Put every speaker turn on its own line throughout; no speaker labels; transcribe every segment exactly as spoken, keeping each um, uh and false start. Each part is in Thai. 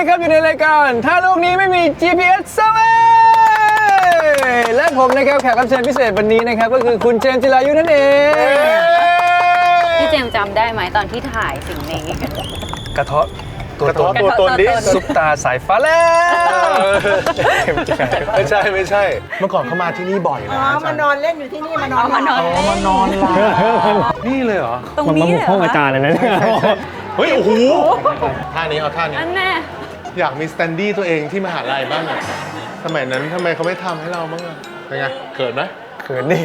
นะครับอยู่ในรายการถ้าโลกนี้ไม่มี จี พี เอส Survey และผมนะครับแขกรับเชิญพิเศษวันนี้นะครับก็คือคุณเจมส์จิรายุนั่นเอง
พี่เจมส์จำได้ไหมตอนที่ถ่ายสิ่งนี้
กระเทาะตัวตน
ตัวตนดิ
ซุปตาสายฟ้าแล้ว
ไม่ใช่ไม่ใช่เมื่อก่อนเขามาที่นี่บ่อยนะ
อ๋อมานอนเล่นอยู่ที่นี่มานอน
มานอน
อ๋อมานอนหลับนี่เลยเหรอ
ตรงนี้เลย
ห้องอาจารย์เลยนะเนี่ย
เฮ้ยโอ้โหท่านี้เอาท่านี้
อันแน่
อยากมีสแตนดี้ตัวเองที่มหาลัยบ้างอะสมัยนั้นทำไมเขาไม่ทำให้เราบ้างอะเป็นไงเขินไหม
เขินดิ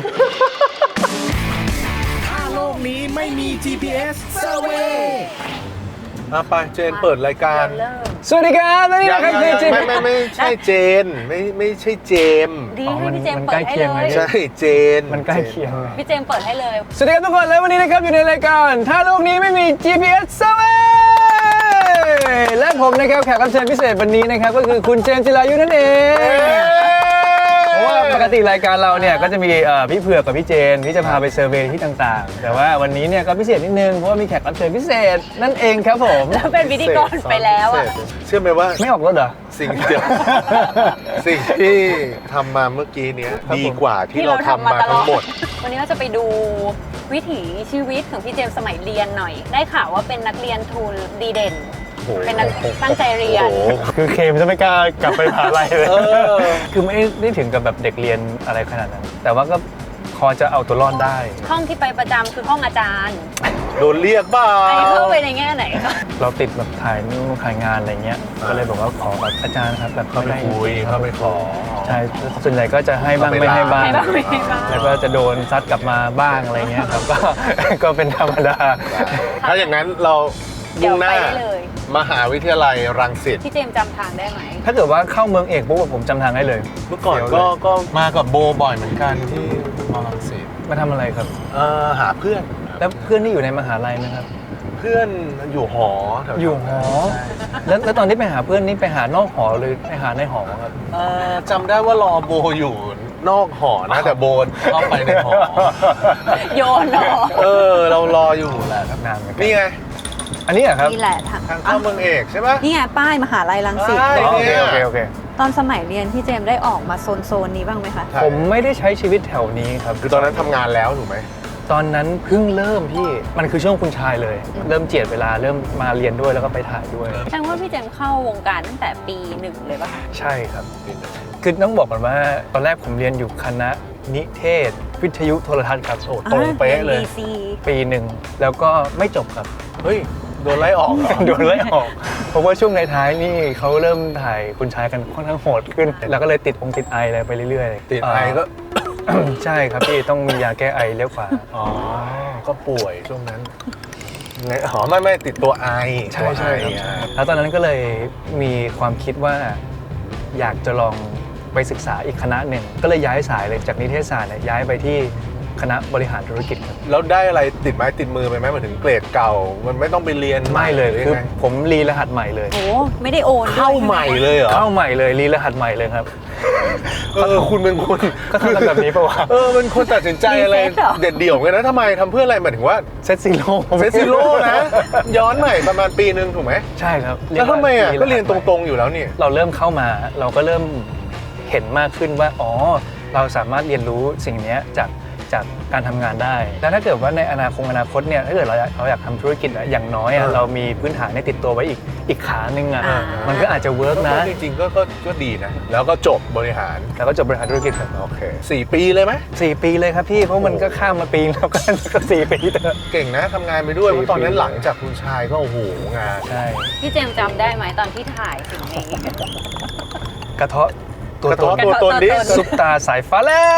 ถ้าโลกนี้ไม่มี จี พี เอส Survey
อ่ะไปเจนเปิดรายการ
เริ่ม
สวัสดีครับและนี่
ยัง
นะครับคือ
ยัง
เจม
ไม่
ส์
ไม่ไม่ใช่เจนไม่ไม่ใช่เจม
ดี
อ๋อ
ให้
มัน
พี่เจม
มัน
ส์เปิ
ใกล้
ดให้
เคียง
เล
เลย
ย
ใช่เจน
มันใกล้เคียงเลย
พี่เจมส์เปิดให้เลย
สวัสดีครับทุกคนและวันนี้นะครับอยู่ในรายการถ้าโลกนี้ไม่มี จี พี เอส Survey และผมนะครับแขกรับเชิญพิเศษวันนี้นะครับก็คือคุณเจมส์จิรายุนั่นเองเพราะว่าปกติรายการเราเนี่ยก็จะมีเอ่อพี่เผือกกับพี่เจนที่จะพาไปเซอร์เวย์ที่ต่างๆ แต่ว่าวันนี้เนี่ยก็พิเศษนิดนึงเพราะว่ามีแขกรับเชิญพิเศษนั่นเองครับผม
แล้วเป็นพิธีกรไปแล้วอ่ะ
เชื่อไหมว่า
ไม่ออกรถเหรอ
สิ่งเดียว สิ่งที่ทำมาเมื่อกี้เนี้ย
ครับผม
ดีกว่าที่เราทำมาทั้งหมด
วันนี้เราจะไปดูวิถีชีวิตของพี่เจมส์สมัยเรียนหน่อย ได้ข่าวว่าเป็นนักเรียนทุนดีเด่น
โอ้โห
เป็นนักตั้งใจเรียน
โอ้โห
คือเคมจะไม่กล้ากลับไปมหาลัยเลย
เออ
คือไม่ได้ถึงกับแบบเด็กเรียนอะไรขนาดนั้น แต่ว่าก็พอจะเอาตัวรอดได้
ห้องที่ไปประจำคือห้องอาจารย์
โดนเรียกบ้า
ไอ้เข้าไปในแง่ไหนคะ
เราติดแบบถ่ายนู่นถ่ายงานอะไรเงี้ย ก็เลยบอกว่าขอแบบอาจารย์ครับแบบ
เข้าไปคุยเข้าไปขอ
ใช่ ส่วนใหญ่ก็จะให้บ้างไม่ให้บ้าง
ให้บ้างไม่ให้บ้าง
แล้วก็จะโดนซัดกลับมาบ้างอะไรเงี้ยครับ ก็ ก็เป็นธรรมดา
ถ้าอย่างนั้นเรา
เดี๋
มุ่
ยว
งหน้า
ไปได้เลย
มหาวิทยาลัยรังสิต
พี่เจมส์จำทางได้ไหม
ถ้าเกิดว่าเข้าเมืองเอกปุ๊บผมจำทางได้เลย
เมื่อก่อนก็ก็มากับโบบ่อยเหมือนกันที่มอรังสิต
มาทำอะไรครับ
เอ่อหาเพื่อน
แล้วเพื่อนที่อยู่ในมหาลัยไหมครับ
เพื่อนอยู่หอแถวๆ
อยู่หอ แล้วแล้วตอนที่ไปหาเพื่อนนี่ไปหานอกหอหรือไปหาในหอครับ
เอ่อจำได้ว่ารอโบอยู่นอกหอนะแต่โบเข้าไปในหอ
โยนเหรอ
เออ เรารออยู่แหละ
นานเหมือนกัน
นี่ไง
อันนี้เหรอครับ
นี่แหละทาง
ทางเข้าเมืองเอกใช่ปะ
นี่ไงป้ายมหาลัยรังสิต
ใช่
อ๋อโอเคโอเคโอเค
ตอนสมัยเรียนพี่เจมส์ได้ออกมาโซนโซนนี้บ้างไหมคะ
ใช่
ผมไม่ได้ใช้ชีวิตแถวนี้ครับ
คือตอนนั้นทำงานแล้วถูกไหม
ตอนนั้นเพิ่งเริ่มพี่ มันคือช่วงคุณชายเลย เริ่มเจียดเวลาเริ่มมาเรียนด้วยแล้วก็ไปถ่ายด้วย
แสดงว่าพี่เจมส์เข้าวงการตั้งแต่ปีหนึ่งเลยป่ะคะ
ใช่ครับ คือต้องบอกก่อนว่าตอนแรกผมเรียนอยู่คณะนิเทศ วิทยุโทรทัศน์ครับโอ้ตรงเป๊ะเลย
ดีซี
ปีหนึ่งแล้วก็ไม่จบครับ
เฮ้ย โดนไล่ออกเหรอ
โดนไล่ออก เพราะว่าช่วงในท้ายๆนี่เขาเริ่มถ่ายคุณชายกันค่อนข้างโหดขึ้น แล้วก็เลยติดองค์ติดไออะไรไปเรื่อยๆ
ติดไอก็
เอ่อ ใช่ครับพี่ต้องมียาแก้ไอเลี้ยวขวา
อ๋อ ก็ป่วยช่วงนั้นไงอ๋อไม่ไม่ติดตัวไอ
ใช่ใช่ครับ
ตัวไอ
ใช่แล้วตอนนั้นก็เลยมีความคิดว่าอยากจะลองไปศึกษาอีกคณะหนึ่ง ก็เลยย้ายสายเลยจากนิเทศศาสตร์เนี่ยย้ายไปที่คณะบริหารธุรกิจครับ
แล้วได้อะไรติดไม้ติดมือไปไหมหมายถึงเกรดเก่า มันไม่ต้องไปเรียน
ไม่เลย
หรื
คือ
ยังไง
ผมรีรหัสใหม่เลย
โอ้ไม่ได้โอนด้วย
เข้าใหม่เลยเหรอ
เข้าใหม่เลยรีรหัสใหม่เลยครับ
เออคุณเป็นคน
ก็ทำกันแบบนี้ปะวะ
เออเป็นคนตัดสินใจอะไรเด็ดเดี่ยวกันนะทำไมทำเพื่ออะไรหมายถึงว่า
เซตซีโร่
เซตซิโร่นะ ย้อนใหม่ประมาณปีหนึ่งถูกไหม
ใช่ครับ
แล้วทำไมอ่ะก็เรียนตรงๆอยู่แล้วนี่
ๆเราเริ่มเข้ามาเราก็เริ่มเห็นมากขึ้นว่าอ๋อเราสามารถเรียนรู้สิ่งนี้จากจากการทำงานได้แล้วถ้าเกิดว่าในอนาคตอนาคตเนี่ยถ้าเกิดเราอยากเราอยากทำธุรกิจอะอย่างน้อยอะ
เออ
เรามีพื้นฐานในติดตัวไว้อีกอีกขาหนึ่งอะ
อ่า
มันก็อาจจะเวิร์กนะ
จริงๆก็ก็ก็ดีนะ แล้วก็จบบริหาร
แล้วก็จบบริหารธุรกิจครับ
โอเคสี่ปีเลยไหม
สี่ปีเลยครับพี่เพราะมันก็ข้ามมาปีแล้วก็ก็สี่ปีเถอะ
เก่งนะทำงานไปด้วย
สี่
เพราะตอนนั้น
ปี
หลังจากคุณชายก็โอ้โหงาน
ใช่
พี่เจมส์จำได้ไหมตอนที่ถ่ายสิ่งนี้
กระเทาะตัว
กระ
ต
ท้อน
น
ตัวตนดิ
กระท้อ
ซุปตาสายฟ้าแล้ว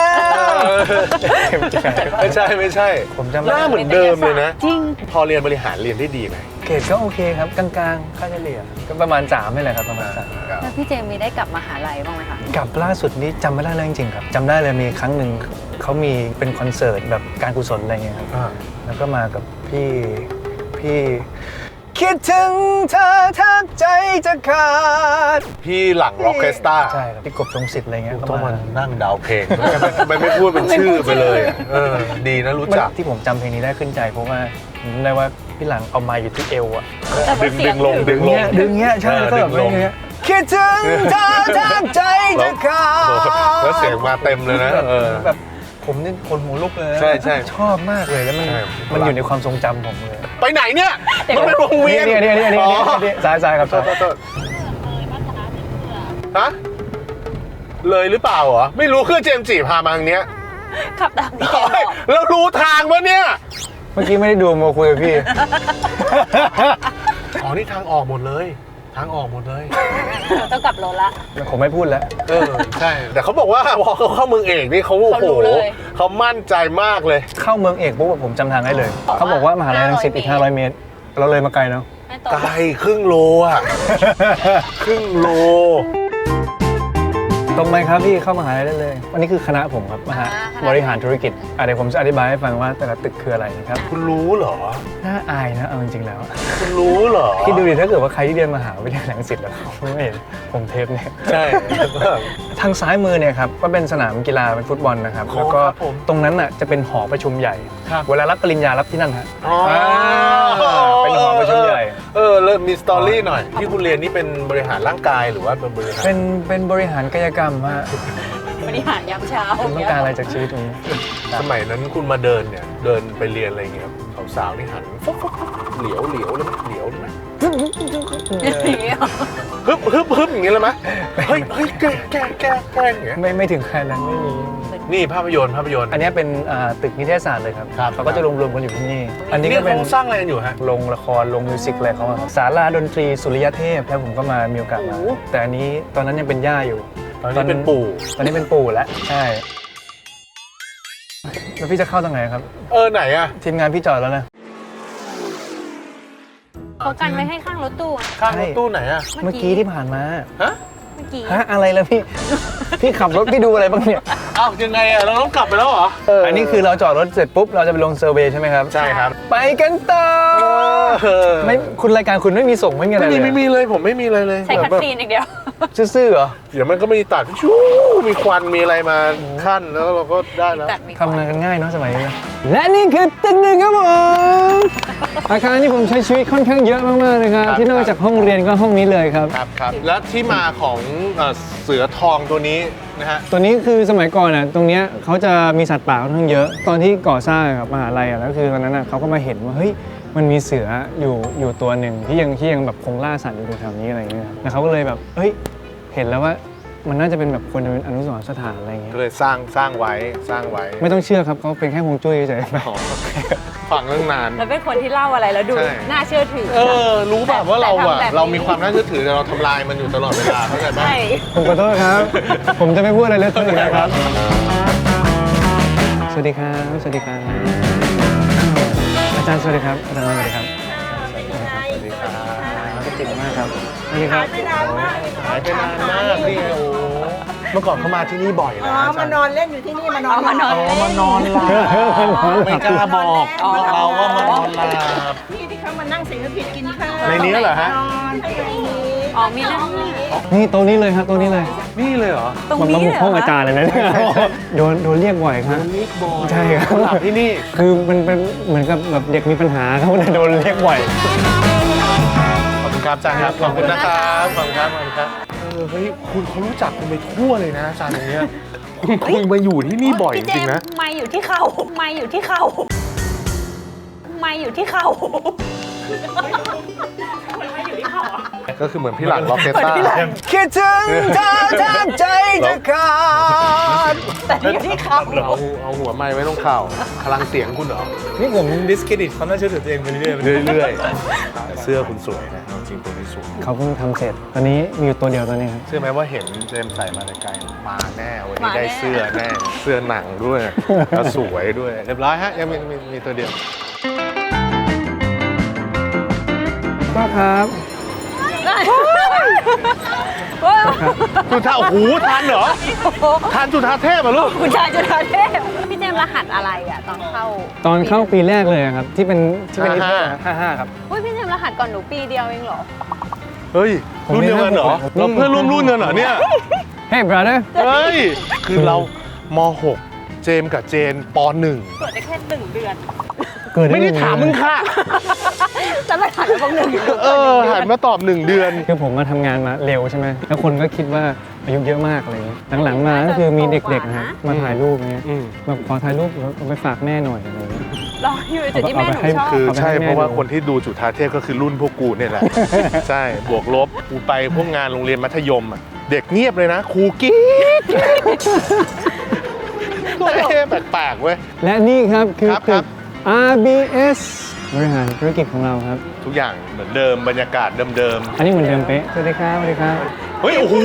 ไม่ใช่ไม่ใช่
ผมจำ
ห
ไม่
น้า
ได้
เหมือนเดิมเลยนะ
จริง พ
พอเรียนบริหารเรียนได้ดีไหม
เกรดก็โอเคครับกลางๆค่าเฉลี่ยก็ประมาณสามนี่แหละครับประมาณสาม
แล้วพี่เจมส์มีได้กลับมหาลัยบ้างไหมคะ
กับล่าสุดนี้จำไม่ได้เลยจริงๆครับจำได้เลยมีครั้งหนึ่งเขามีเป็นคอนเสิร์ตแบบการกุศลอะไรเงี้ยครับ
อ่า
แล้วก็มากับพี่พี่คิดถึงเธอแทบใจจะขาด
พี่หลังร็อกเคสตา
ใช่ครับพี่กบทรงสิทธิ์อะไรเงี้ย
ต้อง
เข้า
มา
มา
นั่งเดาวเพลงทำไมไม่พูดเป็นชื่อไปเลยอะเออดีนะรู้จัก
ที่ผมจำเพลงนี้ได้ขึ้นใจเพราะว่าผมจำได้ว่าพี่หลังเอาไม้อยู่ที่เอวอะ
แต่ว่า
ดึง
เสี
ดึ
ยง
งลง
ถึ
ดึงลง
เงี้ยดึงเงี้ยใช่
เออ
แล้วก็แบบ
ดึงลง
เงี้ยคิดถึงเธอแทบใจจะขาด
แล้วเสียงมาเต็มเลยนะ
แบบ
เออ
แบบผมนี่คนหัวลุกเลยนะ
ใช่ใช่
ชอบมากเลยแล้วมัน
ใช่
มันอยู่ในความทรงจำผมเลย
ไปไหนเนี่ยมันเป็นวงเวียน
นี่นี่นี่นี่นี่นี่ซ้ายซ้ายครับ
โทษโทษโทษฮะเลยหรือเปล่าเหรอไม่รู้เครื่องเจมส์จีพามาทางเนี้ย
ขับตามที่เจมส์บอก
แล้วรู้ทางปะเนี่ย
เมื่อกี้ไม่ได้ดูมาคุยกับพี่
อ๋อนี่ทางออกหมดเลย ทางออกหมดเลย
ต้องกลับรถละ
ผมไม่พูดแล้ว
เออใช่แต่เขาบอกว่าพอเขาเข้าเมืองเอกนี่เขาโอ้
เขา
โห
รู้เลย
เขามั่นใจมากเลย
เข้าเมืองเอกปุ๊บผมจำทางได้เลย เขาบอกว่ามหาลัยรังสิตอีกห้าร้อยเมตร เราเลยมาไกลเนาะ
ไม่ตรง
ไกลครึ่งโลอ่ะ ครึ่งโล
ตรงไหมครับพี่เข้ามหาลัยได้เลยวันนี้คือคณะผมครับมหาบริหารธุรกิจอ่ะเดี๋ยวผมจะอธิบายให้ฟังว่าแต่ละตึกคืออะไรนะครับ
คุณรู้เหรอ
น่าอายนะเอาจริงๆแล้ว
คุณรู้เหรอ
คิดดูดิถ้าเกิดว่าใครที่เรียนมหาวิทยาลัยรังสิตแล้วเขาไม่เห็นผมเทปเนี่ย
ใช่
ทางซ้ายมือเนี่ยครับก็เป็นสนามกีฬาเป็นฟุตบอลนะครับ
อ๋อ
แล้วก็
ครับผม
ตรงนั้นน่ะจะเป็นหอประชุมใหญ่
ครับ
เวลารับปริญญารับที่นั่นฮะ
อ๋ออ่
าเป็นหอประชุมใหญ่
เออเริ่มมีสตอรี่หน่อย ที่คุณเรียนนี่เป็นบริหารร่างกายหรือว่าเป็นบริหาร
เป็นเป็นบริหารกายกรรมฮะ
บริหารยามเช้า
คุณต้องการอะไรจากชีวิตตรงนี้
สมัยนั้นคุณมาเดินเนี่ย เดินไปเรียนอะไรอย่างเงี้ยสาวๆนี่หันฟกฟกฟกเหลียวเหลียวเลยไหมเหลียวเลยไหมฮึบฮึบฮึบอย่างเงี้ยเลยไหมเฮ้ยเฮ้ยแกแกแกแกอย่างเงี้ย
ไม่ไม่ถึงขนาดนั้นไม่มี
นี่ภาพยนตร์ภาพยนตร์
อันนี้เป็นอ่าตึกนิเทศศาสตร์เลยครับ
ครับ
เขาก็จะรวมๆกันอยู่ที่นี่ อันนี้
นี่
ก็เป็น
เขาสร้างอะไรกันอยู่ฮะ
โรงละครโรงมิวสิกอะไรเขาอะครับศาลาดนตรีสุริยเทพแล้วผมก็มามีโอกาสมา
โอ้
แต่อันนี้ตอนนั้นยังเป็นย่าอยู่
ตอนนี้เป็นปู่
ตอนนี้เป็นปู่แล้วใช่แล้วพี่จะเข้าตรงไหนครับ
เออไหนอะ
ทีมงานพี่จอดแล้วนะ
เขากันไว้ให้ข้างรถตู้อะ
ข้างรถตู้ไหนอะ
เมื่อกี้ที่ผ่านมา
ฮะ
เมื่อกี้
ฮะอะไรแล้วพี่ พี่ขับรถพี่ดูอะไรบ้างเนี่ย
อ้าวยังไงอะเราต้องกลับไปแล้วเหรอ
อันนี้คือเราจอดรถเสร็จปุ๊บเราจะไปลงเซอร์เวย์ใช่ไหมครับ
ใช่ครับ
ไปกันต่อ
เออ
ไม่คุณรายการคุณไม่มีส่งไม่มีอะไร
ไม่
เล
มี
ย
ไม่มีเลยผมไม่มีเลยเลย
ใช้คัดซีนอย่างเดียว
ซื่อๆเหรอ
เดี๋ยวมันก็มีตัดชู้มีควันมีอะไรมาขั้นแล้วเราก็ได้แล้ว
ตัดมี
ทำงานกันง่ายเนาะสมัยนี้และนี่คือตึกหนึ่งครับผมอาคารที่ผมใช้ชีวิตค่อนข้างเยอะมากๆนะครับ
ครับ
ที่นอกจากห้องเรียนก็ห้องนี้เลยครับ
ครับครับและที่มาของเอ่อเสือทองตัวนี้นะฮะ
ตัวนี้คือสมัยก่อนอ่ะตรงเนี้ยเขาจะมีสัตว์ป่าค่อนข้างเยอะ ตอนที่ก่อสร้างกับมหาลัยอ่ะแล้วคือตอนนั้นอ่ะเขาก็มาเห็นว่าเฮ้ยมันมีเสืออยู่อยู่ตัวหนึ่งที่ยังที่ยังแบบคงล่าสัตว์อยู่แถวนี้อะไรอย่างเงี้ยครับแล้วเขาก็เลยแบบเฮ้ยเห็นแล้วว่ามันน่าจะเป็นแบบควรจะเป็นอนุสรณ์สถานอะไรอย่างเงี้ย
ก็เลยสร้างสร้างไว้สร้างไว้
ไม่ต้องเชื่อครับเขาเป็นแค่ฮวงจุ้ยเฉยๆ
อ๋อฟังเรื่องนาน
แล้วเป็นคนที่เล่าอะไรแล้วดู
ใช่
น่าเชื่อถือ
เออ รู้แบบว่าเราอะ
แต่ทำแบบนี้
เรามีความน่าเชื่อถือแต่เราทำลายมันอยู่ตลอดเวลาเข้าใจไหม
ใช่
ผมขอโทษครับ ผมจะไม่พูดอะไรเลยทั้งนั้นครับ สวัสดีครับ สวัสดีครับ อาจารย์สวัสดีครับ อาจารย์สวัสดีครับ
สวัสดีครับ
พี่ติ๋มมากครับ สวัสดีครับ
ไม่นานมาก
หายไปนานมากนี่โอ้เมื่อก่อนเขามาที่นี่บ่อย
อ๋
นะ
อมานอนเล่นอยู่ที่นี่มานอน
เอามานอน
อ๋อมานอนหลับไม่กล้าบอกเราว่ามานอนหลับ
พี่ที่เขามานั่งเสียงผิดกินข้าว
ในนี้เหรอฮะ
นอนที่ตรงนี้
อ๋อมีนั่ง
นี่โต๊ะนี้เลยครับโต๊ะนี้เลย
นี่เลยเหรอ
ตรง
มัน
นี้
มาบุก
เห
ห้องอาจารย์เลยนะเนี่ยโดนโดนเรียกบ่อยครับ
นี่บอย
ใช่ครับ
เขาหลับที่นี่
คือมันเป็นเหมือนกับแบบเด็กมีปัญหาเขาเลยโดนเรียกบ่อย
ขอบคุณครับอาจารย์ครับ ขอบคุณนะครับ ขอบคุณครับ ขอบคุณครับ เออ เฮ้ย คุณเขารู้จักคุณไปทั่วเลยนะอาจารย์ตรงเนี้ยคุณคงมาอยู่ที่นี่บ่อยจ
พี่เจ
ริง
ม
ๆนะ
ส์ไม่อยู่ที่เข่าไม่อยู่ที่เข่าไม่อยู่ที่เข่า
ก็คือเหมือนพี่หลังล็อกเกตตา
คิดถึงเธอแทบใจจะขาด
แต่นี่อยู่ที่เข่า
เอาเอาหัวไม้ไว้ตรงเข่าพลังเสียงคุณเหรอ
นี่ผมดิสเครดิตความน่าเชื่อถือตัวเองไปเรื่อยๆ
เรื่อยๆแต่เสื้อคุณสวยนะจริงๆตัวนี้สวย
เขาเพิ่งทำเสร็จ ตอนนี้มีอยู่ตัวเดียวตอนนี้ครับ
เชื่อไหมว่าเห็นเจมส์ใส่มาแต่ไกลมาแน่วันนี้
มาแน่
ได้เสื้อแน่ เสื้อหนังด้วย แล้วสวยด้วย เรียบร้อยฮะ ยังมีมีมีตัวเดียว
ก็ครับ
ว้าว
จุธาโอ้โหทันเหรอทันจุธาเทพเหรอลูก
คุณชายจุฬาเทพพี่เจมส์รหัสอะไรอ่ะตอนเข้า
ตอนเข้าปีแรกเลยครับ ที่เป็นที่เป็น
ห้า
ห้าห้าครับ
อุ้ยพี่เจมส์รหัสก่อนหนูปีเดียวเองเหรอ
เฮ้ย
ผม
รุ่นเดียวกันเหรอ
ผม
เราเพื่อนร่วมรุ่นกันเหรอเนี่ย
Hey brother
เฮ้ย คือเราม .หก เจมส์กับเจนป .หนึ่ง
เกิดได้แค่หนึ่งเดือน
กูกิดได้
ไม่ได้ถามมึงค่ะ
แล้วมาถามแล้วพวกหนึ่งอยู่
เออหันมาตอบหนึ่งเดือน
คือผมมาทำงานมาเร็วใช่ไหมแล้วคนก็คิดว่าอายุเยอะมากอะไรอย่างเงี้ยหลังๆมาก็คือมีเด็กๆนะครับมาถ่ายรูปเงี้ย
อืม
แบบขอถ่ายรูปแล้วเอาไปฝากแม่หน่อยอะไรอย่างเงี้ย
รออยู่ในจุดที่แม่หนูชอบ
คือ
เอาไปให้
ใช่
แม่
เพราะว่า
ดู
คนที่ดูจุฑาเทพก็คือรุ่นพวกกูเนี่ยแหละ ใช่บวกลบกูไปพวกงานโรงเรียนมัธยมอ่ะเด็กเงียบเลยนะครูกรี๊ดเอ๊ะแปลกๆเว้ย
และนี่ครับคือ
ครับ
ตึ
ครั
ก
บ
อาร์ บี เอส บริหารธุรกิจของเราครับ
ทุกอย่างเหมือนเดิมบรรยากาศเดิม
อันนี้เหมือนเดิมเป๊ะสวัสดีครับสวัสดีครับ
ๆเฮ้ยโอ้โห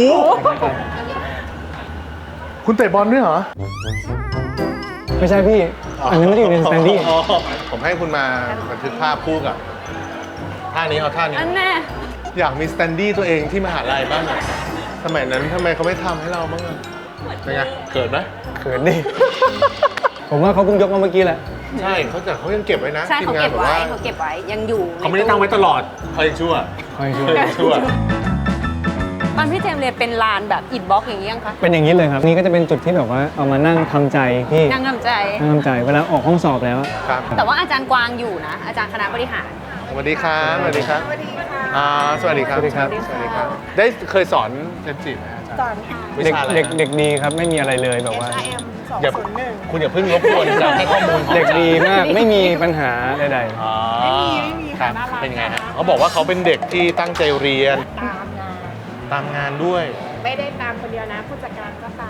คุณเตะบอลด้วยเหรอ
ไม่ใช่พี่ อันนั้นไม่ได้อยู่ในสแตนดี้
อ๋อผมให้คุณมาบันทึกภาพคู่กับท่านี้เอาท่านี้
อันแน่
อยากมีสแตนดี้ตัวเองที่มหาลัยบ้างอะสมัยนั้นทำไมเขาไม่ทำให้เราบ้างอะเป็นไงเกิดไหม
เขินดิ ผมว่าเขาเพิ่งยกมาเมื่อกี้แหละ
ใช่เขาแต่เขายังเก็บไว้นะ
ใช่
ที
เขา
มงา
เก็
น
บบ
อ
ไว้
ว่า
เขาเก็บไว้ยังอยู่
เขาไม่ได้ตั้งไว้ตลอดเขายังชั่ว
คอยช่วย
เขายังชั่ว
ตอนพี่เจมส์เรียนเป็นลานแบบอินบ็อกอย่างนี้ยังคะ
เป็นอย่างนี้เลยครับ นี่ก็จะเป็นจุดที่แบบว่าเอามานั่งทำใจพี่
นั่งกำใจ
นั่งทำใจเวลาออกห้องสอบแล้ว
ครับ
แต่ว่าอาจารย์กวางอยู่นะ อาจารย์คณะบริหาร
สวัสดีครับสวัสดีครับอ่าสวัสดีครับ
สวัสดีครับ
สวัสดีครับ ได้เคยสอนเจมส์จีไหมอาจารย์
สอนค่ะ
วิ
เด็ก
ชาอะไร
เด็ก
นะ
เด็กดีครับไม่มีอะไรเลยแบบว่า
เอส อาร์ เอ็ม สอง
อย่า
ศูนย์หนึ่ง
คุณอย่าเพิ่งรบกวนจะให้ข้อมูลของ
เด็กดีมากไม่มีปัญหาใด
อ๋อ
ไม่มีไม่มี
ครั
ค่ะ
บ
น่ารัก
เป็นไงฮะ
น่ารัก
เขาบอกว่าเขาเป็นเด็กที่ตั้งใจเรียน
ตามงาน
ตามงานด้วย
ไม่ได้ตามคนเดียวนะผู้จัดการก็ตาม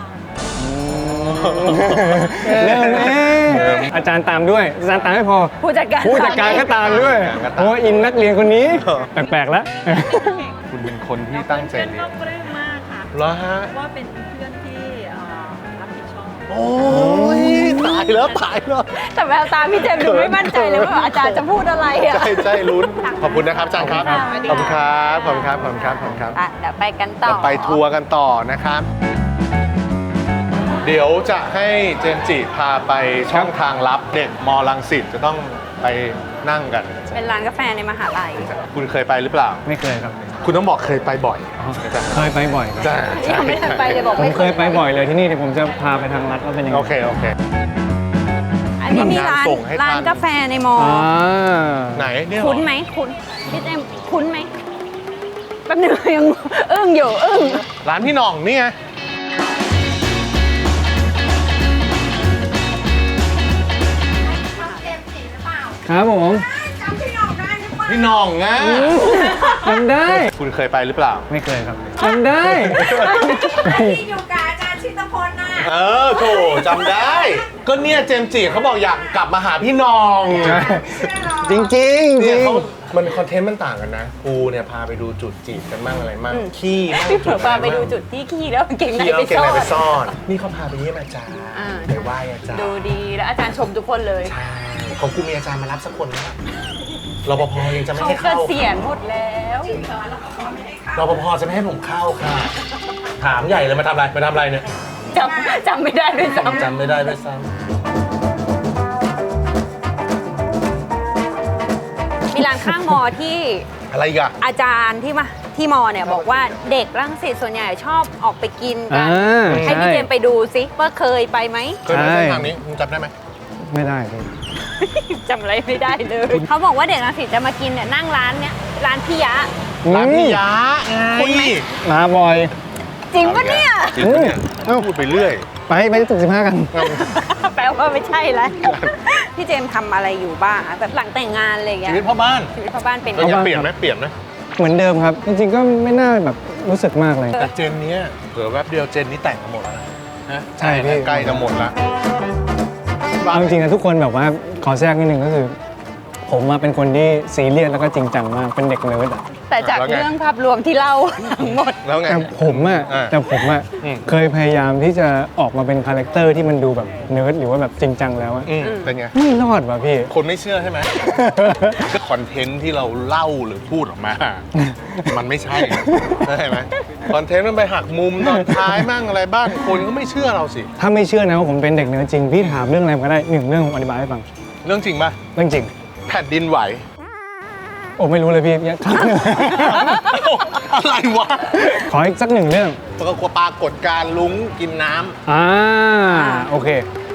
ๆเริ่มเองอาจารย์ตามด้วย อาจารย์ตามไม่พอ
ผู้จัดการ
ผู้จัดการก็ตามด้วย
ผู้จัดการก็ตาม
เพราะว่าอินนักเรียนคนนี้ แปลกๆแล้ว
คุณเป็นคนที่ตั้งใจเรียน
ปลื้มมากค่ะ
เหรอฮะ
ว่าเป็นเพื่อนที่เอ่อรับผิดชอบ
โอ้ยตายแล้วตายแล้ว
แต่แววตาพี่เจมส์ดูไม่มั่นใจเลยว่าอาจารย์จะพูดอะไรอ่ะ
ใช่ใช่ลุ้น ขอบคุณนะครับอาจารย์ครับ
ขอบคุณ
ขอบคุณครับ ขอบคุณครับ ขอบคุณครับ ขอบคุณครับ
อ่ะเดี๋ยวไปกันต่อ
เราไปทัวร์กันต่อนะครับ เดี๋ยวจะให้เจมส์จิพาไปช่องทางลับเด็กมอลังสิตจะต้องไปนั่งกัน
เป็นร้านกาแฟในมหาลัย
คุณเคยไปหรือเปล่า
ไม่เคยครับ
คุณต้องบอกเคยไปบ่อย
เคยไปบ่อยครับ
จ้า
ยังไม่ทันไปเลยบอก
ผม
ไม่
เคยไปบ่อยเลยที่นี่เดี๋ยวผมจะพาไปทางรัฐว่าเป็นยังไง
โอเค โอเค
อันนี้มีร้าน
ทำงานส่งให้ทัน
ร้านกาแฟในมอ
อ่า
ไหนเนี่ยเหรอ
คุ้นไหมคุ้นพี่เจมส์คุ้นไหมแป๊บนึงยังอึ้งอยู่อึ้ง
ร้านพี่หน่องนี่ไง
ครับผม
พี่หน่องนะ
จำได้
คุณเคยไปหรือเปล่า
ไม่เคยครับจำได้
ที่อยู่กับอาจารย์ชิตพลน่ะ
เออโถจำได้ ก็เนี่ยเจมส์จิเขาบอกอยากกลับมาหาพี่หน่อง
จริงจริงๆจ
เนี่
ริ
ย
ง
เขามันคอนเทนต์มันต่างกันนะกูเนี่ยพาไปดูจุดจีบกันมั่งอะไรมั่งขี้มั่ง
พี่เผล
จุ
อ
ด
พาไปดูจุดที่ขี้แล้วเก่งใน
ขี้
ไป
เอาเก่ง
ซ่อ
อะไรไป
น
ซ่อน นี่เขาพาไปเยี่ยมอาจารย์
อ่า
ไปไหว้อาจารย์
ดูดีแล้วอาจารย์ชมทุกคนเลย
ใช่ของกูมีอาจารย์มารับสักคนไหมรปภยังจะไม่
เขา
ให้
เก
เข้า
ษียณหมดแล้ว
รปภจะไม่ให้ผมเข้าค่ะ ถามใหญ่เลยมาทำอะไรมาทำอะไรเนี่ย
จำจำไม่ได้ด้วยซ้ำ
จำไม่ได้ด้วยซ้
มีร้านข้างมอที่
ำอะไรอีกอะ
อาจารย์ที่มาที่มอเนี่ยบอกว่าเด็กรังสิตส่วนใหญ่ชอบออกไปกินกั
อ่า
ให้พี่
ใช่
เจมส์ไปดูซิว่าเคยไปไหม
เคยไป
ใช่
เส้นทางนี้คุณจำได้ไหม
ไม่ได้พี่
จำอะไรไม่ได้เลย เขาบอกว่าเด็กรังสิตจะมากินเนี่ยนั่งร้านเนี้ยร้านพี่ยะ
ร้านพี่ยะไง
คุณไหม
มาบ่อย
จริงปะเนี่ย
จริงปะเนี่ย
เอ้า
พูดไปเรื่อย
ไปไปที่ตึกสิบห้ากัน
แปลว่าไม่ใช่แล้ว พี่เจมส์ทำอะไรอยู่บ้างอะแบบหลังแต่งงานอะไรอย่างเงี้
ชี
ย
วิตพ่อบ้าน
ชีวิตพ่อบ้านเป็น
เราอยาก
พ่อบ้าน
เปลี่ยนไหมเปลี่ยนไหม
เหมือนเดิมครับ จริงๆก็ไม่น่าแบบรู้สึกมากเลย
แต่เจนเนี้ยเผื่อแวบเดียวเจนนี้แต่งกันหมดแล้วนะนะ
ใช่พี่
ใกล้จะหมดแล้ว
เอาจริงๆนะทุกคนแบบว่าขอแทรกนิดนึงก็คือ ผมมาเป็นคนที่ซีเรียสแล้วก็จริงจังมากเป็นเด็กเนิร์ดอะ
แต่จากเรื่องภาพรวมที่เล่าทั้งหมด
แล้วไง
แต่ผมอะ
อ่า
แต่ผมอะ
อืม
เคยพยายามที่จะออกมาเป็นคาแรคเตอร์ที่มันดูแบบเนิร์ดหรือว่าแบบจริงจังแล้วอะ
อืมเป็นไง
ไม่รอดว่ะพี่
คนไม่เชื่อใช่ไหม ก็คอนเทนต์ที่เราเล่าหรือพูดออกมา มันไม่ใช่ใช่ไหมคอนเทนต์มันไปหักมุมตอนท้ายมั่งอะไรบ้างคนก็ไม่เชื่อเราสิ
ถ้าไม่เชื่อนะว่าผมเป็นเด็กเนิร์ดจริงพี่ถามเรื่องอะไรก็ได้หนึ่งเรื่องผมอธิบายให้ฟัง
เรื่องจริงป่ะ
เรื่องจริง
แผ่นดินไหว
โอ้ไม่รู้เลยพี่ยังครั้งหนึ่ง
อะไรวะ
ขออีกสักหนึ่งเรื่อง
ปรากฏปรากฏการณ์ลุงกินน้ำ
อ่าโอเค ป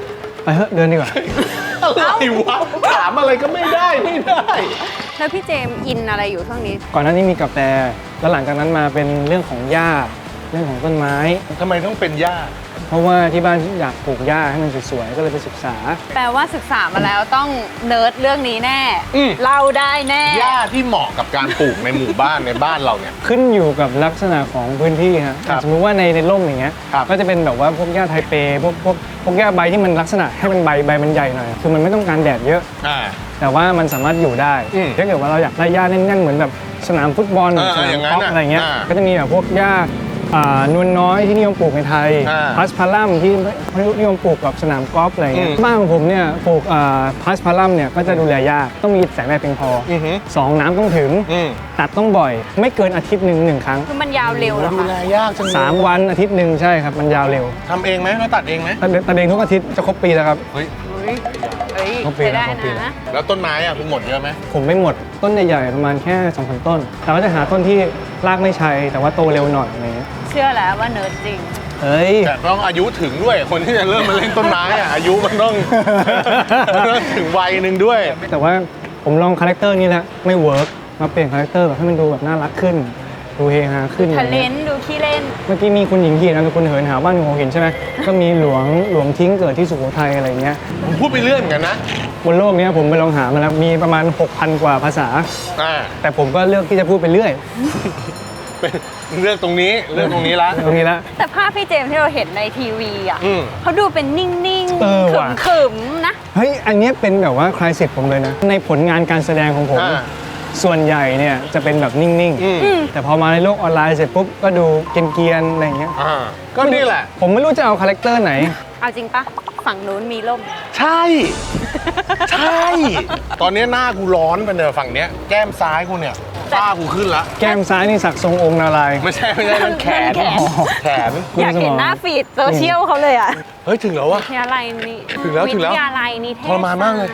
ไปเถอะเดินดีกว่า
อะไรวะถามอะไรก็ไม่ได้ไม่ได้
แล้วพี่เจมส์อินอะไรอยู่ช่วงนี้
ก่อนหน้านี้มีกาแฟแล้วหลังจากนั้นมาเป็นเรื่องของหญ้าเรื่องของต้นไม้
ทำไมต้องเป็นหญ้า
เพราะว่าที่บ้านอยากปลูกหญ้าให้มันสวยๆก็เลยไปศึกษา
แปลว่าศึกษามาแล้วต้องเนิร์ดเรื่องนี้แน่
อืม
เล่าได้แน่
หญ้าที่เหมาะกับการปลูกในหมู่บ้านในบ้านเราเนี่ย
ขึ้นอยู่กับลักษณะของพื้นที่ครับ
ครับ
สมมติว่าในในร่มอย่างเงี้ย
ครับ
ก็จะเป็นแบบว่าพวกหญ้าไทเปพวกพวกพวกหญ้าใบที่มันลักษณะให้มันใบใบมันใหญ่หน่อยคือมันไม่ต้องการแดดเยอะ
อ่า
แต่ว่ามันสามารถอยู่ได้
อืม
ถ้าเกิดว่าเราอยากได้หญ้าแน่นๆเหมือนแบบสนามฟุตบอล
เออ
สนา
อ
ม
ย่างนั้
ก
น
อล์ฟ
น่ะ
อะไรเงี้ย
อ่า
ก็จะมีแบบพวกหญ้าอ่านวลน้อยที่นิยมปลูกในไทย
อ่า
พาสพารัมที่นิยมปลูกกับสนามกอล์ฟอะไรเงี้ย
อืม
บ้านของผมเนี่ยปลูกอ่าพาสพารัมเนี่ยก็จะดูแลยากต้องมีแสงแดดเพียงพออ
อือหือ
สองน้ำต้องถึง
อืม
ตัดต้องบ่อย ไม่เกินอาทิตย์หนึ่งหนึ่งครั้ง
คือมันยาวเร็วเหรอ
ดู
คะ
แลยากจังเลย
สามวันอาทิตย์หนึ่งใช่ครับมันยาวเร็ว
ทำเองไหมเราตัดเองไหม
ตัดตัดเองทุกอาทิตย์จะครบปีแล้วครับ
เฮ้ย
เฮ้ยเฮ้ย
ครบปี
ใช้ได้
ครบปี
นะ
แล้วต้นไม้อ่ะคุณหมดเยอะไหม
ผมไม่หมดต้นใหญ่ๆประมาณแค่สองสามต้นแต่ก็จะหาต้นที่รากไม่ชัยแต่ว่าโตเร็วหน่อยอะไรเงี้ย
เชื่อแล้วว่าเนิร์ดจริง
เฮ้ย
แต่ต้องอายุถึงด้วยคนที่จะเริ่มมาเล่นต้นไม้อ่ะอายุมันต้อง มันต้องถึงวัยหนึ่งด้วย
แต่ว่าผมลองคาแรคเตอร์นี้แล้วไม่เวิร์กมาเปลี่ยนคาแรคเตอร์แบบให้มันดูแบบน่ารักขึ้น ดูเฮฮาขึ้น
ทะเลนดูขี้เล่น
เมื่อกี้มีคุณหญิงเหียนนามสกุลเหินหาบ้านหัวหินใช่ไหมก็มีหลวงหลวงทิ้งเกิดที่สุโขทัยอะไรเงี้ย
ผมพูดไปเรื่อยเหมือนกันนะ
บนโลกเนี้ยผมไปลองหามาแล้วมีประมาณ หกพัน กว่าภาษา
อ่า
แต่ผมก็เลือกที่จะพูดไปเรื่อย
เป็นเรื่องตรงนี้เรื่องตรงนี้ละ
ตรงนี้ละ
แต่ภาพพี่เจมส์ที่เราเห็นในทีวีอ่ะ
อืม
เขาดูเป็นนิ่ง
เออ
ๆ
ว่ะ
ขึมๆนะ
เฮ้ย อันเนี้ยเป็นแบบว่าคลายเสร็จผมเลยนะ ในผลงานการแสดงของผม
อ่า
ส่วนใหญ่เนี่ยจะเป็นแบบนิ่ง
อืม
ๆ แต่พอมาในโลกออนไลน์เสร็จปุ๊บ ก็ดูเกรียนๆ อะไรอย่างเงี้ย
อ่าก็นี่แหละ
ผมไม่รู้จะเอาคาแรคเตอร์ไหน
เอาจริงปะฝั่งนู้นมีร่ม
ใช่ ใช่ ตอนนี้หน้ากูร้อนไปเนี่ยฝั่งเนี้ยแก้มซ้ายกูเนี่ยฝ้ากูขึ้นละ
แก้มซ้ายนี่สักทรงองค์นารายณ์
ไม่ใช่ไม่ใช่มันแขน
แขน
แขน
คุณ
อยากเห็น
สมอง
หน้าฟีดโซเชียลเขาเลยอ่ะ
เฮ้ยถึงแล้ววะ
วิทยาลัยนี้
ถึงแล้วถึงแล้ว
วิทยาลัยนิเทศ
ทรมานมากเลย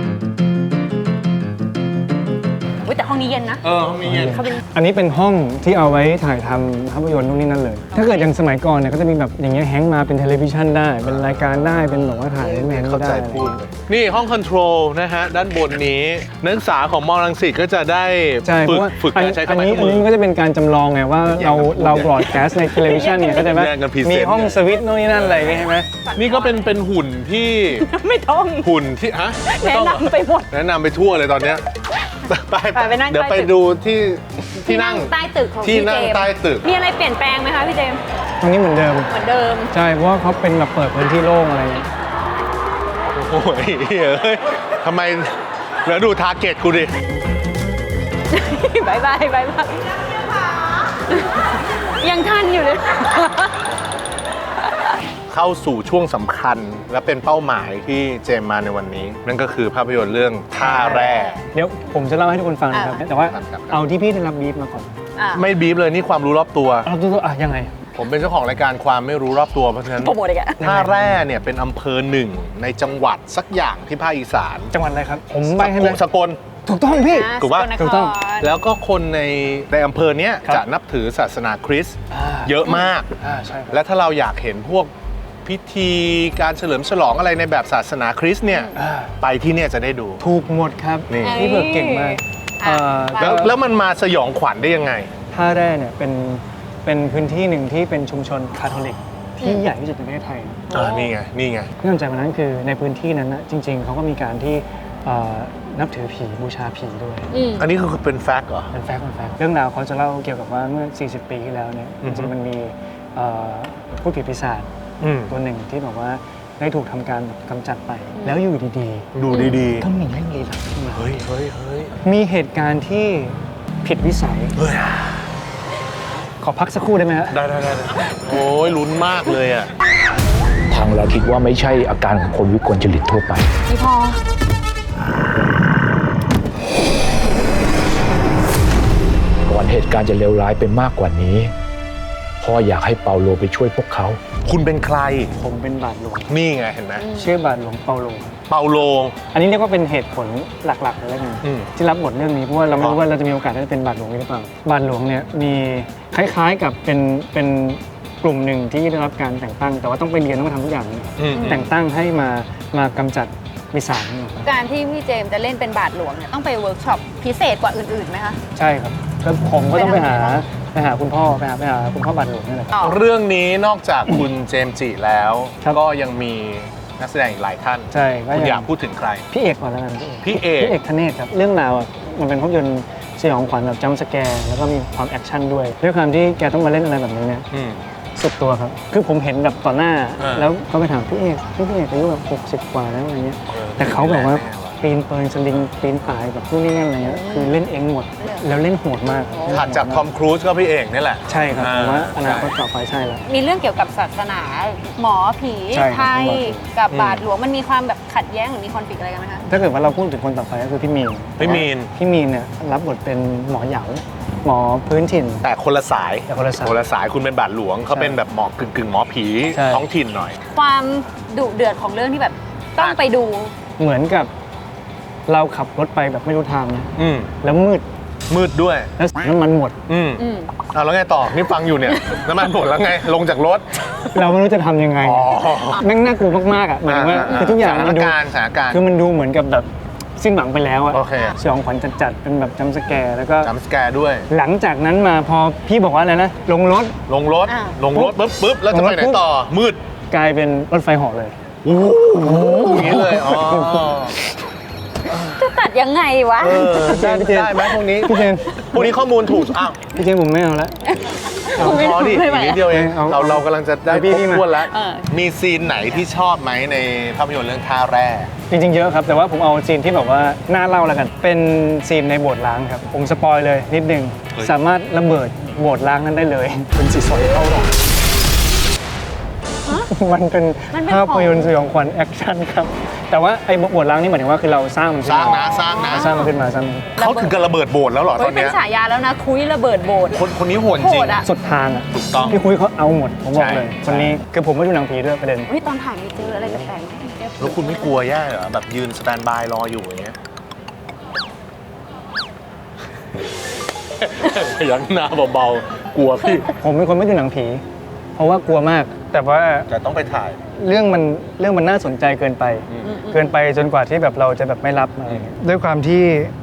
อุ๊ยแต่ห้องนี้เย็นนะ
เออห้องนี้เย็น
เขาเป็น
อันนี้เป็นห้องที่เอาไว้ถ่ายทำภาพยนตร์นู่นนี่นั่นเลย ถ้าเกิดอย่างสมัยก่อนเนี่ยก็จะมีแบบอย่างเงี้ยแฮงก์มาเป็นเทเลวิชันได้ เป็นรายการได้ เป็นแบบว่าถ่ายเป็นแมน
เข้า
ได้
ใจพูดเลยนี่ห้องคอนโทรลนะฮะ ด้านบนนี้นักศึกษาของมอรังสิตก็จะได้
ใช่เพ
ฝึก
ราะว่า
ฝึก
อัน
การใช้เค
อั
รื่อน งไม้
นี้
เครื่
อั
อน งมื
นี้
อ
ก็จะเป็นการจำลองไงว่าเราเราบรอดแคสต์ในเทเลวิชันเนี่ยก็จะไหม
แย่งกันพรีเซนต์
มีห้องสวิตช์โน่นนี่นั่นอะไรอย่างเงี้ยใช่ไหม
นี่ก็เป็นเป็นหุ่นที่
ไม่ต้อง
หุ่นที่ฮะไม่
แนะ
ต้องเหรอน
ำไปหมด
แนะนำไปทั่วเลยตอนเนี้ยไป
ไปไปนั่ง
เดี๋ยว
ใต้
ไป
ตึก
ดูที่ที่นั่ง
ใต้ตึกของ
ที่
พี่
นั่
เจ
ง
มส์
ใต้ตึก
มีอะไรเปลี่ยนแปลงไหมคะพี่เจมส์
ตรงนี้เหมือนเดิม
เหมือนเดิม
ใช่ เพราะว่าเขาเป็นแบบเปิดพื้นที่โล่งอะไรอย่างเงี้ย
โอ้ยเฮ้ยทำไมแล้วดูทาร์เก็ตกูดิ
บายบายบายบายยังทันอยู่เลย
เข้าสู่ช่วงสำคัญและเป็นเป้าหมายที่เจมมาในวันนี้ นั่นก็คือภาพยนตร์เรื่องท่าแร่
เดี๋ยวผมจะเล่าให้ทุกคนฟังนะครับ
อ่า
แต่ว่า
ครับครับ
เอาที่พี่ได้รับบีฟมาก่อน
อ่ะ
ไม่บีบเลยนี่ความรู้รอบตัว
เราดูตัวอ่ะยังไง
ผมเป็นเจ้าของรายการความไม่รู้รอบตัวเพราะฉะนั้น
โปรโมทอีกอะ
ท่าแร่เนี่ยเป็นอำเภอหนึ่งในจังหวัดสักอย่างที่ภาคอีสาน
จังหวัดอะไรครับ ผมใบให้ไหม
สกล
ถูกต้องพี่
อ่ะ
ถูกปะ
สนคร
ถูกต้อง
แล้วก็คนในในอำเภอเนี้ย
ครับ
จะนับถือศาสนาคริสต์
อ่า
เยอะมาก
อ่าใช่ครับ
และถ้าเราอยากเห็นพวกพิธีการเฉลิมฉลองอะไรในแบบศาสนาคริสต์เนี่ย
อ่า
ไปที่เนี่ยจะได้ดู
ถูกหมดครับ
นี่
พี่เบิร์กเก่งมาก
อ่ะ
เอ่อ
แล้วแล้วมันมาสยองขวัญได้ยังไง
ท่าแร่เนี่ยเป็นเป็นพื้นที่หนึ่งที่เป็นชุมชนคาทอลิกที่ใหญ่ที่สุดในประเทศไทย
อ่านี่ไง นี่ไง
ที่น่าสนใจกว่านั้นคือในพื้นที่นั้นนะจริง ๆเขาก็มีการที่เอ่อนับถือผีบูชาผีด้วย
อืม
อันนี้คือเป็นแฟกต์เหรอ
เป็นแฟกต์เป็นแฟกต์เรื่องราวเขาจะเล่าเกี่ยวกับว่าเมื่อ สี่สิบ ปีที่แล้วเนี่ย
อื
จ
อฮึ
ริงๆมันมีเอ่อผู้ผีปีศาจ
อืม
ตัวหนึ่งที่บอกว่าได้ถูกทำการแบบกำจัดไป แล้วอยู่ดี
ดูดี
ๆก็มีเรื่องลี้ลับขึ้นมา
ๆ เฮ้ยเฮ้ยเฮ้ย
มีเหตุการณ์ที่ผิดวิสัย
เฮ้ย
ขอพักสักครู่ได้ไหมฮะ
ได้ได้ได้ได้โอ้ยลุ้นมากเลยอ่ะ
ทางเราคิดว่าไม่ใช่อาการของคนวิกลจริตทั่วไป
พี่พอ
ก่อนเหตุการณ์จะเลวร้ายไปมากกว่านี้ พ่ออยากให้เปาโลไปช่วยพวกเขา
คุณเป็นใคร
ผมเป็นบาทหลวง
นี่ไงเห็นไหม
ชื่อบาทหลวงเปาโลครับ
เปาโล
อันนี้เรียกว่าเป็นเหตุผลหลักๆเลยแล้วกัน
อืม
ที่รับบทเรื่องนี้เพราะว่าเราไม่รู้ว่าเราจะมีโอกาสได้เป็นบาทหลวงหรือเปล่าบาทหลวงเนี่ยมีคล้ายๆกับเป็นเป็นกลุ่มหนึ่งที่ได้รับการแต่งตั้งแต่ว่าต้องไปเรียนต้องมาทำทุกอย่าง
อืม
แต่งตั้งให้มามากำจัดปีศาจนี่ครับ
การที่พี่เจมส์จะเล่นเป็นบาทหลวงเนี่ยต้องไปเวิร์กช็อปพิเศษกว่าอื่นๆไหมคะ
ใช่ครับก็ผมก็ต้องไปหาไปหาคุณพ่อไปหาไปหาคุณพ่อบาทหลวงนี่แหละครับ
ต่อ
เรื่องนี้นอกจากคุณเจมส์จิแล้ว
ครับ
ก็ยังมีนักแสดงอีกหลายท่าน
ใช่ก็
คุณ
อ
อยากพูดถึงใคร
พี่เอกก่อนแล้วกัน
พี่เอก
พี่เอกธเนศครับเรื่องราวอะมันเป็นภาพยนตร์สยองขวัญแบบจัมป์สแกร์แล้วก็มีความแอคชั่นด้วยด้วยความที่แกต้องมาเล่นอะไรแบบนี้เนี่ย
อืม
สุดตัวครับ คือผมเห็นแบบต่อหน้า
อ่า
แล้วก็ไปถามพี่เอกพี่เอกอายุแบบหกสิบกว่าแล้วอะไรเงี้ย
ออ
แต่เขาแบบว่า
แน่ๆว่ะ
ปีนเปิงสลิงปีนป่ายแบบนู่นนี่นั่นอะไรเงี้ยคือเล่นเองหมด แล้วเล่นโหดมาก
ถัดจากทอมครูซก็พี่เอกนี่แหละ
ใช่ครับผมว่าอนาคต
ใช่
ต่อไปใช่แล้ว
มีเรื่องเกี่ยวกับศาสนาหมอผี
ใช่ครับ
ไทย
หมอผี
กับบาทหลวงมันมีความแบบขัดแย้งหรือมีคอนฟ lict อะไรกันไหมคะ
ถ้าเกิดว่าเราพูดถึงคนต่อไปก็คือพี่มีน
พี่มีน
พี่มีนเนี่ยรับบทเป็นหมอเหยาหมอพื้นถิ่น
แต่คนละสาย
แต่คนละสาย
คนละสายคุณเป็นบาทหลวงเขาเป็นแบบหมอกึ่งกึ่งๆหมอผี
ใช่
ท้องถิ่นหน่อย
ความดุเดือดของเรื่องที่แบบต้องไปดู
เหมือนกับเราขับรถไปแบบไม่รู้ทางนะ
อืม
แล้วมืด
มืดด้วย
แล้วน้ำมันหมด
อืม
อืม
เอาแล้วไงต่อ นี่ฟังอยู่เนี่ย น้ำมันหมดแล้วไง ลงจากรถ
เราไม่รู้จะทำยังไง
อ๋อ
แม่งน่ากลัวมากๆอ่ะหมายถึงว่าคือทุกอย่าง
สถา
มัน นดู
การณ์สถานการณ์
คือมันดูเหมือนกับแบบสิ้นหวังไปแล้วอะ
โอเค
สยองขวัญจัดๆเป็นแบบจัมป์สแกร์แล้วก็
จัมป์สแกร์ด้วย
หลังจากนั้นมาพอพี่บอกว่าอะไรนะลงรถ
ลงรถ
อ่า
ลงรถปุ๊บปุ๊บแล้วจะไปไหนต่อ มืด
กลายเป็นรถไฟเหาะเลย
โอ้โหอย่างนี้เลย อ๋อ
จะตัดยังไงวะ
เออได้
พี่เจน
ได้ไหมพวกนี้
พี่เจน
พวกนี้ข้อมูลถูก อ้าว
พี่เจนผมไม่เอาละ
พอดิอีกนิดเดียวเอง
เอา
เราเรากำลังจะได้
เอาพี่
ครบ
พี่มา
ถ้วนแล้ว
เออ
มีซีนไหนที่ชอบไหมในภาพยนตร์เรื่องท่าแร่
จริงๆเยอะครับแต่ว่าผมเอาซีนที่แบบว่าน่าเล่าแล้วกัน เป็นซีนในโบสถ์ล้างครับผมสปอยเลยนิดนึง
เฮ้ย
สามารถระเบิดโบสถ์ล้างนั้นได้เลย เป็นสีสอยเข้าหรอกมันเป็น
มันเป็น
ภาพยนตร์สยองขวัญแอคชั่นครับ แต่ว่าไอ้โบสถ์ล้างนี่หมายถึงว่าคือเราสร้างมัน
ส
ขึ้น
ร้าง
มา
นะสร้างนะ
สร้างมันขึ้นมาสร้างมัน
เขาถึงกับระเบิดโบสถ์แล้วเหรอต
เฮ้
อย น
เป็น
เนี้ย
ฉายาแล้วนะ คุยระเบิดโบสถ์
คนคนนี้โหด
โห
จริง
ดอะ
สุดทางอ่ะ
ถูกต้อง
พี่คุยเขาเอาหมดผมบอกเลย
ใช่
คนนี้คือผมไม่ดูหนังผีด้วยประเด็น
เฮ้ยตอนถ่ายมีเจออะไรแปลกๆไหม
แล้วคุณไม่กลัวแย่เหรอ แบบยืนสแตนบายรออยู่อย่างเงี้ย พยักหน้าเบาๆ กลัวพี่
ผมเป็นคนไม่ดูหนังผี เพราะว่ากลัวมาก แต่ว่า
แต่ต้องไปถ่าย
เรื่องมันเรื่องมันน่าสนใจเกินไป เกินไปจนกว่าที่แบบเราจะแบบไม่รับอะไรอย่างเงี้ยด้วยความที่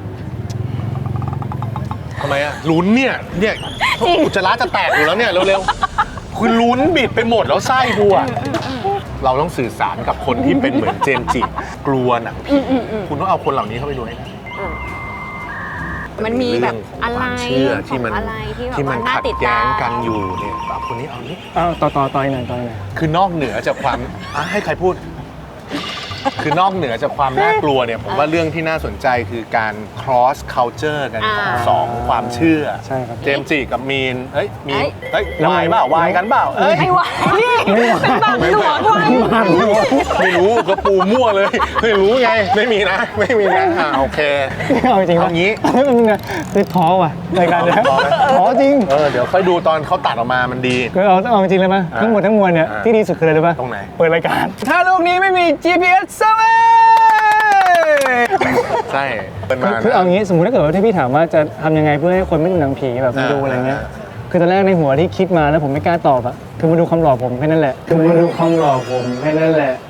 ทำไมอะลุ้นเนี่ย เนี่ยอุจจาระจะแตกอยู่แล้วเนี่ย เร็วๆ คือลุ้นบิดไปหมดแล้วไส้กูอะเราต้องสื่อสารกับคนที่เป็นเหมือนเจมส์จิกลัวหนังผีคุณต้องเอาคนเหล่านี้เข้าไปดูให้ได้
มันมีแบบอะไร
ความเชื่อที่มัน
อะไรที่แบบ
ที่มัน
ว่าน่า
ขัด
ติด
แย้
ตาม
งกันอยู่เนี่ยแบบคนนี้เอานี่
อ้าวต่อต่อต่อยหน่อยต่อยหน่อย
คือนอกเหนือจากความอ่ะให้ใครพูด คือนอกเหนือจากความน่ากลัวเนี่ยผมว่าเรื่องที่น่าสนใจคือการ cross culture กันของ
อ่า
สองความเชื่อ
ใช่ครับ
เจมส์จิกับมีนเฮ้ยมีน
เอ้ย
เฮ้ยวายเปล่าวายกันเปล่าเอ้ย
ไม่ไหวนี่เป็นบางหลวงด้วย
ไม่รู้ก็ปูมั่วเลย ไม่รู้ไงไม่มีนะ ไม่มีนะอ่าโอเค
เอาจริงๆ
เอางี้
มันนึงนะคือท้อว่ะรายการเนี้ย
ท้อไหม
ท้อจริง
เออเดี๋ยวค่อยดูตอนเขาตัดออกมามันดี
คือเอาเอาจริงเลยมั้ย
อ่า
ทั้งหมดทั้งมวลเนี่ย
อ่า
ที่ดีสุดคืออะไรรู้ป่ะ
ตรงไหน
เปิดรายการ ถ้าโลกนี้ไม่มี จี พี เอส เซเว่น
ใช่เป็น
คื
มา
อคือเอางี้สมมุติถ้าเกิดว่าที่พี่ถามว่าจะทำยังไงเพื่อให้คนไม่ดูหนังผีแบบมา
อ่า
ดูอะไรเงี้ยคือตอนแรกในหัวที่คิดมาแล้วผมไม่กล้าตอบอะคือมาดูความหล่อผมแค่นั้นแหละคือมาดูความหล่อผมแค่นั้นแหละ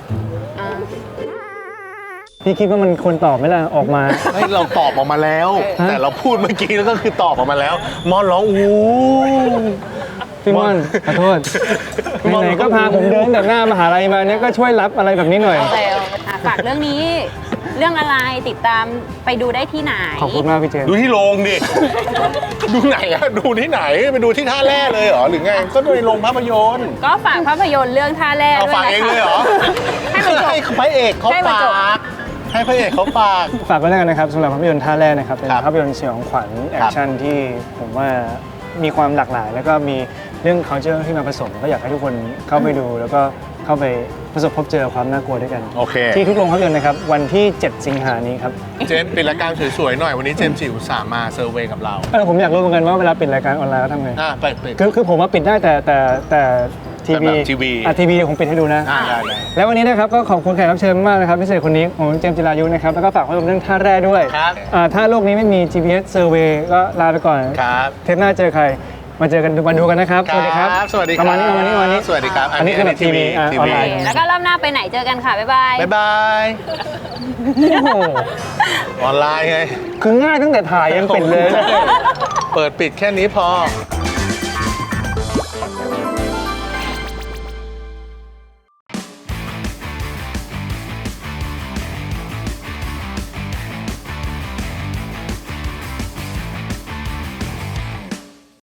พี่คิดว่ามันควรตอบไหมล่ะออกมา
เฮ้ยเราตอบออกมาแล้ว
ฮะ
แต่เราพูดเมื่อกี้แล้วก็คือตอบออกมาแล้ว มอนร้องอู้
พี่ม่อนขอโทษไหนๆก็พาผมเดินแต่หน้ามหาลัยมาเนี่ยก็ช่วยรับอะไรแบบนี้หน่อย
โอเคอ่ะฝากเรื่องนี้ เรื่องอะไรติดตามไปดูได้ที่ไหน
ขอบคุณมากพี่เจมส์
ดูที่โรงดิ ดูไหนอะดูที่ไหนไปดูที่ท่าแร่เลยเหรอหรือไงก็ดูในโรงภาพยนตร์
ก็ฝากภาพยนตร์เรื่องท่าแร่
เอา
ด้วย
ฝาก
นะ
เอง
คะ
เลยเหรอ
ให้มันจบ
ให้พระเอกเขา
ให้มัน
ฝา
จบ
กให้พระเอกเขาฝาก
ฝากไว้แล้วกันนะครับสำหรับภาพยนตร์ท่าแรกนะครับเป็น
ครับ
ภาพยนตร์สยองขวัญแอคชั่นที่ผมว่ามีความหลากหลาย แล้วก็มีเรื่อง culture ที่มาผสมก็อยากให้ทุกคนเข้าไปดู แล้วก็เข้าไปประสบพบเจอความน่ากลัวด้วยกัน
โอเค
ที่ทุกโรงภาพยนตร์นะครับวันที่ เจ็ด สิงหานี้ครับ
เจนปิดรายการสวยๆหน่อยวันนี้เจมส์จิอุตส่าห์มาเซอร์เวย์กับเรา
เออผมอยากรู้เหมือนกันว่าเวลาปิดรายการออนไลน์แล้วทำไง
อ่ะไปปิด
คือคือผมว่าปิดได้แต่แต่แต่ที
แต่
วี
แบบทีวี
อ่ะทีวีผมปิดให้ดูนะ
อ่ะได้ได้
แล้ววันนี้นะครับก็ขอบคุณแขกรับเชิญมากนะครับพิเศษคนนี้ของเจมส์จิรายุนะครับแล้วก็ฝากไว้กับเรื่องท่าแร่ด้วย
ครับ
อ่าถ้าโลกนี้ไม่มี จี พี เอส Survey ก็ลาไปก่อน
ครับ
เทปหน้าเจอใครมาเจอกันมาดูกันนะครับ
ครับ สวัสดีครับ
ประมาณนี้ประมาณนี้ประมาณนี้
สวัสดีครับ
อันนี้คือแบบทีวีอ่ะ
ที
ออน
วี
ไล
โอ
น์
เคแล้วก็รอบหน้าไปไหนเจอกันค่ะ บ๊ายบาย
บ๊ายบาย
โอ้โห
ออนไลน์ไง
คือง่ายตั้งแต่ถ่ายยังเป็นเลย
เปิดปิดแค่นี้พอ